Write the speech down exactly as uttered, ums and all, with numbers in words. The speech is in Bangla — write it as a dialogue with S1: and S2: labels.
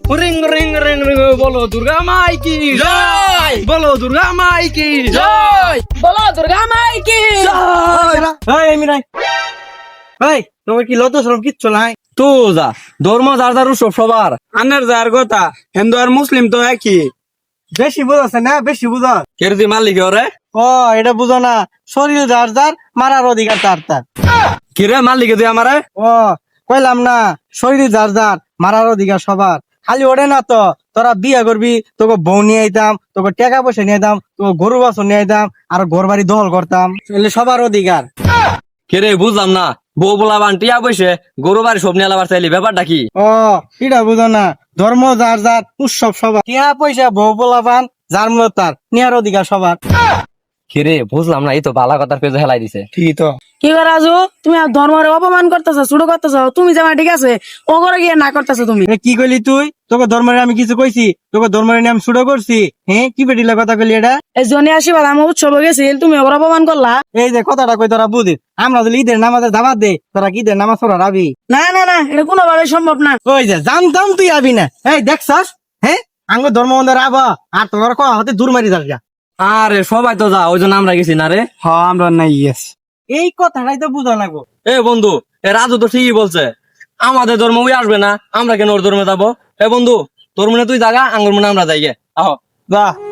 S1: রিং রিং রিং রিং বলো দুর্গা মাই কি জয়, বলো দুর্গা মাই কি জয়,
S2: বলো দুর্গা মাই কি
S1: জয়। এই মিরাই, এই তোমার কি লজ্জা শরম কিচ্ছু নাই? তো যা ধর্ম যার যার উৎসব সবার।
S3: আনের যার কথা হিন্দু আর মুসলিম তো একই।
S1: বেশি বুঝাচ্ছে না, বেশি বুঝা।
S3: কেরদি মালিক ওরে
S1: ও এটা বুঝো না, শরীর যার যার, মারার অধিকার তার তার।
S3: কিরে মালিকে তুই আমারে
S1: ও কইলাম না, শরীর যার যার, মারার অধিকার সবার। খালি ওরে না তো, তোরা বিয়ে করবি, তোকে বউ নিয়ে আইতাম, তোকে টাকা পয়সা নিয়ে আইতাম, তোকে গরু বাছর নিয়ে আইতাম, আর ঘর বাড়ি দখল করতাম। এগুলো সবার অধিকার।
S3: কিরে বুঝলাম না, বউ বলা বান টিয়া বসে গরু বাড়ি সব নিয়ে আলাবার চাইলি ব্যাপারটা কি?
S1: ও এটা বুঝো না, ধর্ম যার যার, উৎসব সবার। টাকা পয়সা বউ পোলাপান যার মূলত তার, নেওয়ার অধিকার সবার।
S3: কিরে বুঝলাম না, এই তো বালা কথার পেজে হেলাই দিছে।
S1: ঠিক তো।
S2: কি করে রাজু, তুমি আর ধর্মের অপমান করতেছো, শুরু করতেছো। তুমি জামা ঠিক আছে, ও করে গিয়ে না করতেছো তুমি।
S1: এ কি কইলি তুই? তোকে ধর্মের আমি কিছু কইছি? তোকে ধর্মের নিয়ে আমি শুরু করছি? হ্যাঁ কি বেটিলা কথা কইলি এটা?
S2: এই জনে আশীর্বাদ আমার উৎসবে গেছিল, তুমি ওর অপমান করলা।
S1: এই যে কথাটা কই তোরা বুঝি, আমরা যদি ঈদের নামাজের দাবাত দে, তোরা কি ঈদের নামাজ পড়া রাবি?
S2: না না না, এটা কোনোভাবে সম্ভব না।
S1: ওই যে জানতাম তুই আবি না। এই দেখছস, হ্যাঁ আঙ্গ ধর্ম বন্ধের আবা, আর তোর কথা হতে দূর মারি যাস গা।
S3: আরে সবাই তো যা, ওই জন্য আমরা গেছি না রে।
S1: হ্যাঁ আমরা নাই, ইয়েস। এই কথাটাই তো বুঝা লাগবো।
S3: এ বন্ধু, এ রাজু তো ঠিকই বলছে, আমাদের ধর্ম ওই আসবে না, আমরা কেন ওর ধর্মে যাবো? এ বন্ধু, তোর মনে তুই জাগা, আঙ্গুর মনে আমরা যাই গে। আহ
S1: যা।